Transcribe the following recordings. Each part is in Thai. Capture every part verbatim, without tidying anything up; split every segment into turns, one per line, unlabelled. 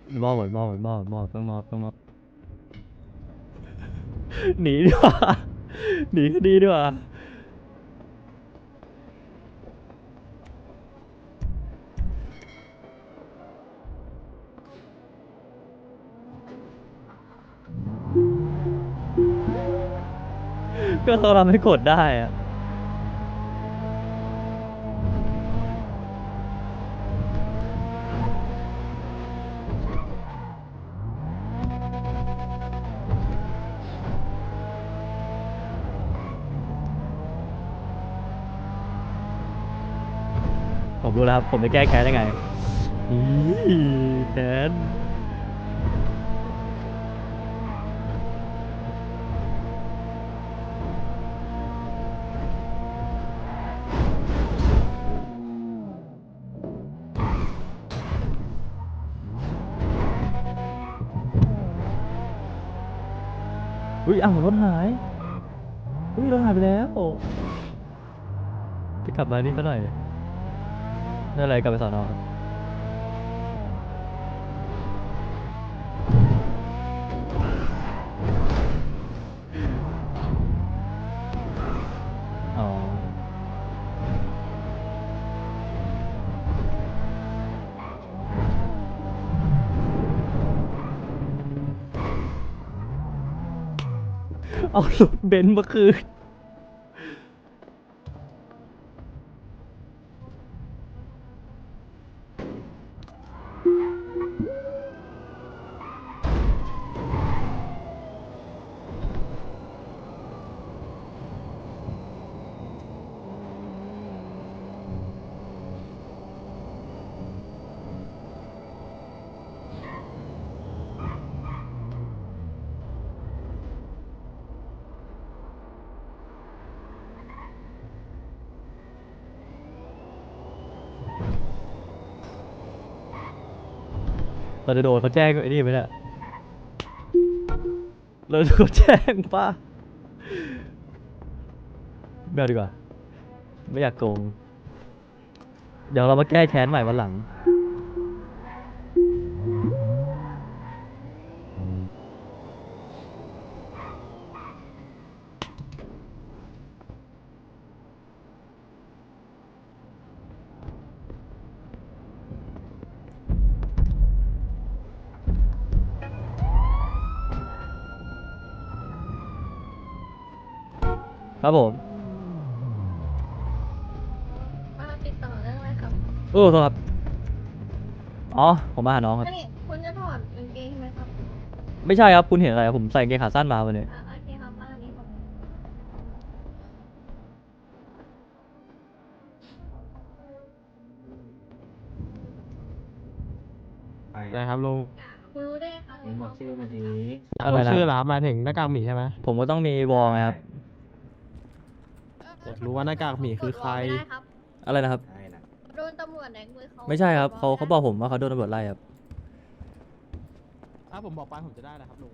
มอบหมดมอบหมดมอบมอบต้องมอบต้องมอบหนีดีกว่าหนีคดีดีกว่าก็เขาทำให้กดได้อะผมรู้แล้วครับผมจะแก้แค้นยังไงอีแค้นอุ้ยอ้าวรถหายอุ้ยรถหายไปแล้วจะกลับมานี่ซะหน่อยนั่นอะไรกลับไปสอนอครับอ๋อเอารถเบนซ์มาคืนเราจะโดนเขาแจ้งไอ้นี่ไหมเนี่ยเราจะโดนแจ้งป่ะไม่เอาดีกว่าไม่อยากโกงเดี๋ยวเรามาแก้แค้นใหม่วันหลังครับผม
มาติดต่อเรื่องอะไรครับ
โอ้โทษครับอ๋อผมมาหาน้องครับ
อันนี้คุณจะถอดกางเกงไหมครับ
ไม่ใช่ครับคุณเห็นอะไรครับผมใส่กางเกงขาสั้นมาวันนี้
อ่าโอเคครับมาอันนี้ผม
ได้ครับลุง
คุณรู้ได้ไงคะ
มึงบอกชื่อมาดี
อะไรนะ
ชื่อเหรอครับหมายถึงหน้ากากหมีใช่ไหม
ผมก็ต้องมีวอลไงครับ
อยากรู้ว่าหน้ากากหมีคือใคร
กดวอลไม่ได้ครับ
อะไรนะครับ
ใช่นะ
โดนตำรวจแดงมือเขา
ไม่ใช่ครับ
ด
เขา
วล
เขาบอกผมว่าเขาโดนตำรวจไล่ครับ
ถ้าผมบอกไปผมจะได้นะครับลุง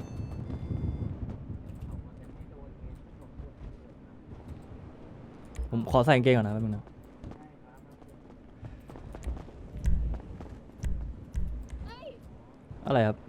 ผมขอใส่กางเกงก่อนนะแป๊บนึงนะอะไรครับ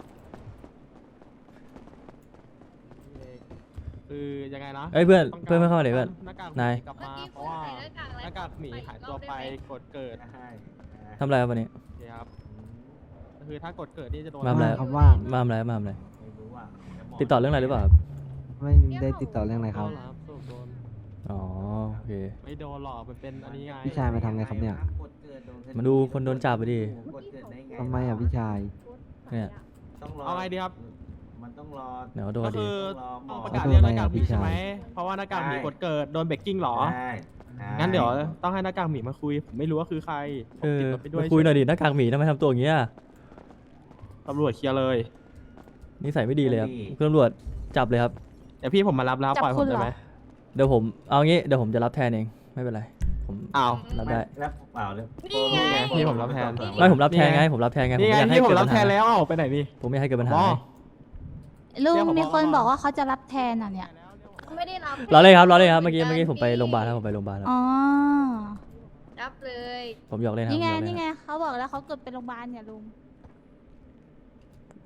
คือยังไงนะ
เอ้ยเพื่อน
ต้งกร
เพื่อนไม่เข้ามาเลยเพื่อน
หน้ากากห
นาย
มีกลับ
เมื่อ
มา
กี้
เพ
คุ
ราะ
ณ
ว่า
ใส่หน้ากากอะไร
หน้ากากหมีหายตัวไปกดเกิด
ใช่
ทำอะไรครับวันนี้
โอเคครับก็คือถ้ากดเกิดนี่จะโดน
มาทำอะไร
ครับว่าง
มาทำอะไรมาทำอะไร
ไม่รู้ว่า
ติดต่อเรื่องอะไรหรือเปล่าครับ
ไม่ได้ติดต่อเรื่องอะไรครับ
โดนครับโดน
อ๋อโอเค
ไม่โดนหรอกมันเป็นอันนี้ไง
พี่ชายมาทำไงครับเนี่ย
มาดูคนโดนจับไปดิ
กดเกิดได้ไง
ทำไมอ่ะพี่ชาย
เนี่ย
ต้องรอ
เอาไงดีครับ
มันต้องรอ
เดี๋ยวเขาโดน
ก็
ดี
คือ
ต้องรอหมอ
ต้องประกาศเรื่องหน้ากากหมี
พี่ชาย
ใช่ไหมเพราะว่าหน้ากากหมีกดเกิดโดนเบรกกิ้งหรอ
ใช่ใช่
งั้นเดี๋ยวต้องให้หน้ากากหมีมาคุย ผมไม่รู้ว่าคือใครผม
เออ
ติดรถไปด้วย
มาคุยหน่อยดิหน้ากากหมีทำไมทำตัวอย่างเงี้ย
ตำรวจเคลียร์เลย
นิสัยไม่ดีเลยครับคุณตำรวจจับเลยครับ
เดี๋ยวพี่ผมมารับแล้วปล่อยผมได้ไหม
เดี๋ยวผมเอางี้เดี๋ยวผมจะรับแทนเองไม่เป็นไรผม
อ้าว
รับได้
แล้วเปล่าเลย
นี่ไง
พี่ผมรับแทน
ไม่ผมรับแทนไงผมรับแทนไง
นี่ไง
อยากให้
พี่ผม
เกิด
รับ
ปัญ
แท
หาน
แล้วเอ้าไปไหนนี่
ผมไม่ให้เกิดปัญหา
อ๋อ
ไง
ลุง
เรียกผบ
มีคน
มา
บอกว่าเขาจะรับแทนอ่ะเนี่ย
ไม่ได้รับ
รอเลยครับรอเลยครับเมื่อกี้เมื่อกี้ผมไปโรงพยาบาลครับผมไปโรงพยาบาลครับ
อ๋อ
รับเลย
ผมหยอกเล่นครับ
นี่ไง
ผมหยอกเล่
นี่
น
ไง
ครับ
เขาบอกแล้วเขาเกิดเป็นโรงพยาบาลเนี่ยลุง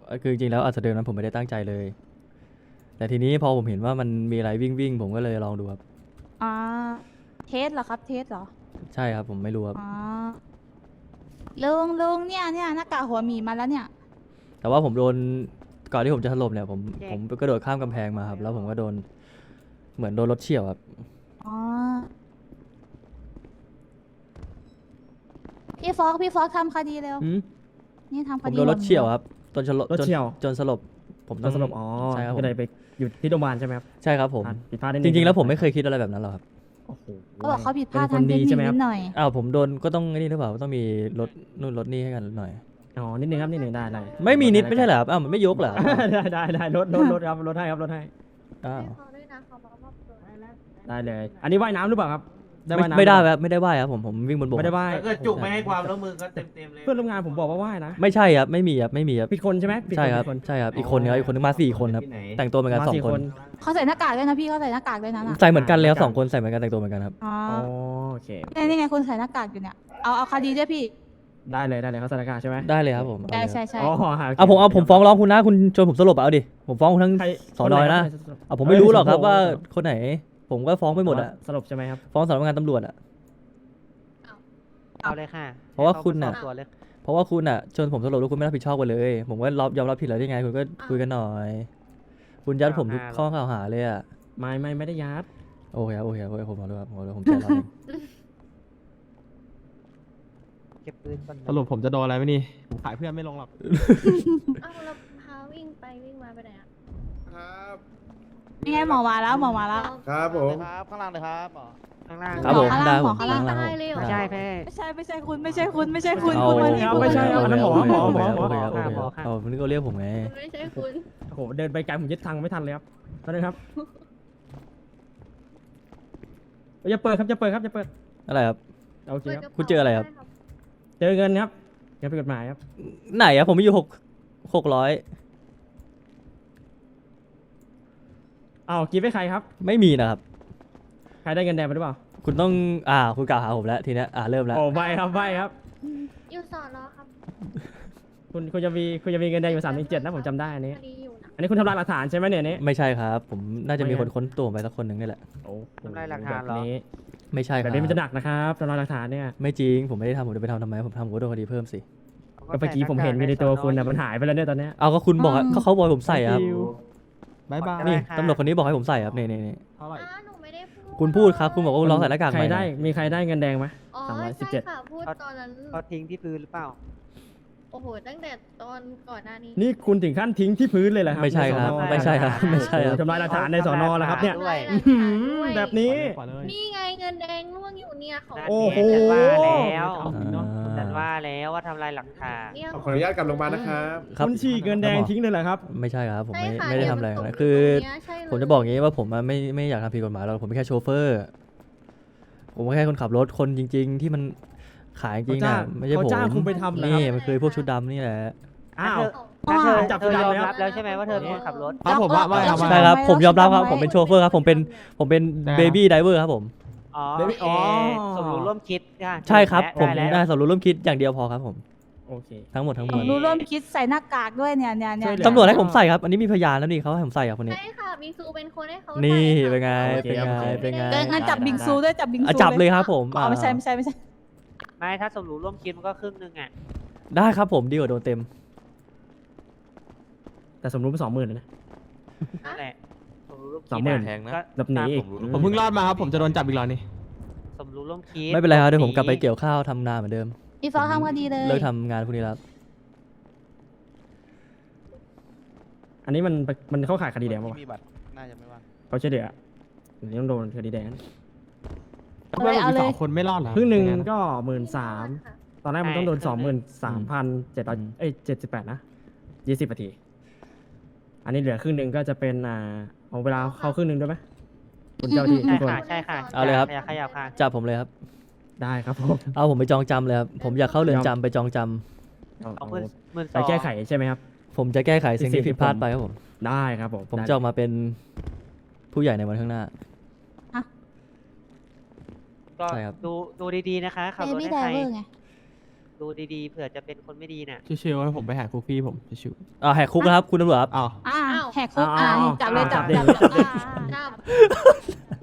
คือจริงๆแล้วอัศเดิมนั้นผมไม่ได้ตั้งใจเลย แต่ทีนี้พอผมเห็นว่ามันมีอะไรวิ่งวิ่งๆผมก็เลยลองดูครับ
อ่าเทสเหรอครับ เทสเหรอ
ใช่ครับผมไม่รู้ครับ
อ๋อลุงลุงเนี่ยเนี่ยหน้ากากหัวหมีมาแล้วเนี่ย
แต่ว่าผมโดนก่อนที่ผมจะถล่มเนี่ยผมผมกระโดดข้ามกำแพงมาครับแล้วผมก็โดนเหมือนโดนรถเฉี่ยวครับ
อ๋อ พี่ฟอกพี่ฟอกทำคดีเร็ว
หืม
นี่ทำค
ผม
ดี
โดนรถ
หัหมี
เฉี่ยวครับจนสลบ
รถ
จน
เฉี่ยว
จนสลบผม
ต
ต้
อ
อน ง
สลบอ๋อ
ใช่ครับผม
ก็เลยไปอยู่ที่โรงพยาบาลใช่ไหมครับ
ใช่ครับผม
ผิดพลาดนิด
จ
นึ
ริงๆแล้วผมไม่เคยคิดอะไรแบบนั้นหรอกครับ
โอ้โห
เขาบอกเขาผิดพลาด
เป็นค
ทาง
น
เท
ดี
คนิ
ใช่
ค
ไหมค
นิ
รับ
ดหน่อย
อ้าวผมโดนก็ต้องไอ้นี่หรือเปล่าต้องมีรถนู่นรถนี่ให้กันหน่อย
อ๋อนิดนึงครับนิดนึงได้ได้
ไม่มีนิดไม่ใช่เหรอครับอ้าวมันไม่ยกเหรอ
ได้ได้ได้รถรถรถครับรถให้ครับรถให้
อ้าว
ให้เขาด้วยนะเขามามอบตัว
ได้เลย อันนี้ว่ายน้ำหรือเปล่าครับ
ไม่
ว่ายน้ำ
ไม่ได้
หรือเป
ค
ล่า
รับไม่ได้ว่ายครับผมผมวิ่งบนบก
ไม่ได้ว่าย
ถ้าเกิดจุกไม่ให้ความร่วมมือก็เต็มเต็มๆเลย
เพื่อนร่วมงานผมบอกว่าว่ายนะ
ไม่ใช่ครับไม่มีครับไม่มีครับ
ผิดคนใช่ไหมผิดน
ใช่ครับ
ผิดคน
ใช่ครับอีกคนนึงครับอีกคนนึงมาสี่คนครับ
ที่ไหน
แต่งตัวเหมือนกัน
มา
สอง
สี่
คน
เขาใส่หน้ากากด้วยนะพี่เขาใส่หน้ากากด้วยนะน่ะ
ใส่เหมือนกันเลยครับสองคนใส่เหมือนกันแต่งตัวเหมือนกันครับ
อ๋อ
อ๋อโอเค
นี่นี่ไงคุณใส่หน้ากากอยู่เนี่ย เอาเอาคดีด้วยพี่
ได้เลยได้เลยเขาสถานการณ์ใช่ไหม
ได้เลยครับผมเอา
ใช่
เลยค
ใช่
รับ
ใช่
อ๋อโค
เอาผมเอาผมฟ้องร้องคุณนะคุณจนผมสลบอะเอาดิผมฟ้องคุณทั้ง
ใคร
สอนอยนะ
คไห
เอาผมไม่รู้หรอกครับว่า
เอ้ย
คนไหน ผมก็ฟ้องไปหมดอะ
สรุปใช่ไหมครับ
ฟ้องสำนักงานตำรวจอะ
เอาเลยค่ะ
เพราะว่าคุณน่ะ
เข้าไปสอบสวนเลย
เพราะว่าคุณอะจนผมสลบแล้วคุณไม่รับผิดชอบกันเลย ผมก็รับยอมรับผิดแล้วได้ไง คุณก็คุยกันหน่อย คุณยัดผมทุกข้อกล่าวหาเลยอะ
ไม่ไม่ไม่ได้ยัด
โอเคครับโอเคครับโอเคผมขอโทษครับผมขอโทษผมใจร้อนเอง
เก็บปืนก่อน
สรุปผมจะโดนอะไรไหมนี่ผมขายเพื่อนไม่ลงหรอก
อ้าวแล้วพาวิ่งไปวิ่งมาไปไหนอ่ะ
ครับ
นี่ไงหมอมาแล้วหมอมาแล้ว
ครับผม
ครับข้างล่างเลยครับหมอข้างล่าง
ครับผม
ข้าง
ได้
ล่าง
ผม
ข้างล่าง
ข้างล่าง
ตายเลยเหรอ
ไม่ใช่แพ้
ไม่ใช่ไม่ใช่คุณไม่ใช่คุณไม่ใช่คุณ
เอา
คุณมานี่
ไม่ใช่ครับอันนั้นหมอหมอหมอหมอ
โอเคครับโอเคครับเอาผมนึกว่าเรียกผมไง
ไม่ใช่คุณ
โอ้โหเดินไปไกลผมยึดทางไม่ทันเลยครับตอนนี้ครับจะเปิดครับจะเปิดครับจะเปิด
อะไรครับ
โอเคครับ
คุณเจออะไรครับ
เจอเงินครับเงินเป็นกฎหมายครับ
ไหนอะผมมีอยู่หกหกร้อย
อ้าวกิฟต์ให้ใครครับ
ไม่มีนะครับ
ใครได้เงินแดงไปหรือเปล่า
คุณต้องอ่าคุณกล่าวหาผมแล้วทีเนี้ยอ่าเริ่มแล้ว
โอ้ใบครับใบครับ
อยู่สอนอครับ
คุณคุณจะมีคุณจะมีเงินแดงอยู่สามถึงเจ็ดนะผมจำได้อันนี้
คดีอยู่นะ
อันนี้คุณทำลายหลักฐานใช่ไหมเนี่ยอันนี้
ไม่ใช่ครับ ผมน่าจะมี
ไม่
คนค้นตัวผมไปสักคนหนึ่งนี่แหละ
โอ้โ
ทำลายหลักฐานเหรอ
แบบนี้
ไม่ใช่ค
แบ
รั
บบ นี้มันจะหนักนะครับทำลายหลักฐานเนี่ย
ไม่จริงผมไม่ได้ทำผมจะไปทำทำไมผมทำผมก็โดนคดีเพิ่มสิ
ก็เมื่อกี้ผมเห็นอยู่ในตัวคุณนะมันหายไปแล้วเนี่ยตอนเนี้ย
เอาก็คุณบอกอะเขาเขาบอกให้ผมใส่อะครับ
บายบาย
นี่ตำรวจคนนี้บอกให้ผมใส่ครับนี่นี่นี่
เท่าไหร่
อ้าหนูไม่ได้พูด
คุณพูดครับคุณบอกว่าลองใส่หน้ากาก
ใค
ให
ร
ม่
ได้
หน่อย
มีใครได้เงินแดงไหม
อ๋อ
สามร้อยสิบ
ใช่
เจ็ด
ค่ะพูดตอนนั้น
เขาทิ้งที่พื้นหรือเปล่า
โอ้โหตั้งแต่ตอนก่อนหน้านี้
นี่คุณถึงขั้นทิ้งที่พื้นเลยเหรอครับ
ไม่ใช่ครับ
นสอนอ
ไม่ใช่ครับไม่ใช่ครับ
ทำลายหลักฐานในสอนอแล้วครับเนี่ย
ด้วย
ทำลายหลักฐานด้วย
แบบนี้
นี่ไงเงินแดงร่วงอยู่เนี่ยเขา
โอ้โห
ฉันว่าแล้ว
เอาจริงเนอะ
ฉันว่าแล้วว่าทำลายหลักฐาน
เนี่ย
ขออนุญาตกลับโรงพยาบาลนะครับ
ครับ
คุณฉีกเงินแดงทิ้งเลยเหรอครับ
ไม่ใช่ครับผมไม่
ใช่ค่ะ
ไม่ได้ทำอะไร
เยวมั
นะ
ตก
คือ
ตรงเนี้ยใช่เลย
ผมจะบอกอย่างนี้ว่าผมอะไม่ไม่อยากทำผิดกฎหมายหรอกผมเป็นแค่โชเฟอร์ ผมก็แค่คนขับรถคนจริง ๆ ที่มันขายจริงๆ
เขาจ้า
นะ
ง
ไม่ใช่ผม
เขาจ้างคุณไปทำเหรอครับ
นี่มันคือพวกชุดดำนี่แหละ
อ้าว
งั้นเธอ
จับ
เธอยอม
จับ
รับแล้วใช่ไหมว่าเธอเป็นคนขับรถ
ครับผมว่าว่าครับ
ใช่ครับผมยอมรับครับผมเป็นโชเฟอร์ครับผมเป็นผมเป็น
ได้ครับ
เบบี้ไดเวอร์ครับผม
อ๋อ
เดี๋ยวไม่อ๋อ
สมรู้ร่วมคิดค่ะ
ใช่ครับผม
ได้
ได้
แล้ว
สำรู้ร่วมคิดอย่างเดียวพอครับผม
โอเค
ทั้งหมดทั้งมวล
รู้ร่วมคิดใส่หน้ากากด้วยเนี่ยเนี่ยเนี่ย
ช่วยเหลือ
ตำรวจให้ผมใส่ครับ อันนี้มีพยานแล้วนี่เขาให้ผมใส่ครับคนนี้
ใช่ค่ะบิงซูเป็นคนให้เขา
นี่
ใส่ค่ะ
เป็นไง
โอเค
เป็นไง
โอเค
เป็นไง
เดินงั้นจับบิงซูด้วยจับบิงซู
อ่ะจับเลยครับผม
อ๋อไม่ใช่ไม่ใช่ไม่ใช่
ไม่ถ้าสมรู้ร่วมคิดมันก็ครึ่งหนึงอ่ะ
ได้ครับผมดีกว่าโดนเต็ม
แต่สมรู้เป็นสองหมื่นนะ
นั่นแหละสมรู้ร่วมคิด
สองหมื่น
ะ
แพงนะ
ก็
หลบหนีอีก
ผมเพิ่งรอดมาครับ ผมจะโดนจับอีกแล้วนี่
สมรู้ร่วมคิด
ไม่เป็นไรครับเดี๋ยวผมกลับไปเกี่ยวข้าวทำนาเหมือนเดิม
พี่ฟอกทำคดีเลย
เลิกทำงานพวกนี้แล้ว
อันนี้มันมันเข้าข่ายคดีแดงป่าวะ
มีบัตร น่าจะไม่ว่า
เขาช่วยเหลืออันนี้ต้องโดนคดีแดง
เอาเลยเอาเลย
คนไม่รอดเหรอ
ครึ่งหนึ่งก็หมื่นสาม
ค่ะ
ตอนแรกมันต้องโดนสองหมื่นสามพันเจ็ดร้อยเอ้ยเจ็ดสิบแปดนะยี่สิบนาที อันนี้เหลือครึ่งหนึ่งก็จะเป็นอ่าเอาเวลาเข้าครึ่งหนึ่งด้วยไหมคุณเจ้าที่
ใช่
ทุกคน
ค่ะใช่ค่ะ
เอาเลยครับ
อย่าขยับค่ะ
จับผมเลยครับ
ได้ครับผม
เอาผมไปจองจำเลยครับผมอยากเข้าเรือนจำไปจองจำ
เอา
เอา
เอา
หมื่นหมื่นส
ไป
อง
แก้ไขใช่ไหมครับ
ผมจะแก้ไขสิ่ง
สิ่
ที่
งที่
ผิดพลาด
ผม
ไปครับผม
ได้ครับผม
ผม
ได้
จะออกมาเป็นผู้ใหญ่ในวันข้างหน้า
ก็
ใช่ครับ
ดูดูดีๆนะคะขับ
เบ
รถ
บี้
ให้
ได
ใคร
เวอร์ไง
ดูดีๆเผื่อจะเป็นคนไม่ดีน่ะ
ชิวๆให้ผมไปหาคุกพี่ผมชิว
อ่าแหกคุกนะครับคุณตำรวจครับ
ๆอ้าว
อ่า
อ้าว
แหกคุกอ่า
เอาเอา
จับเลย
เอา
จับ
จั
จั
บบ ดิ
จับอ่า
จับ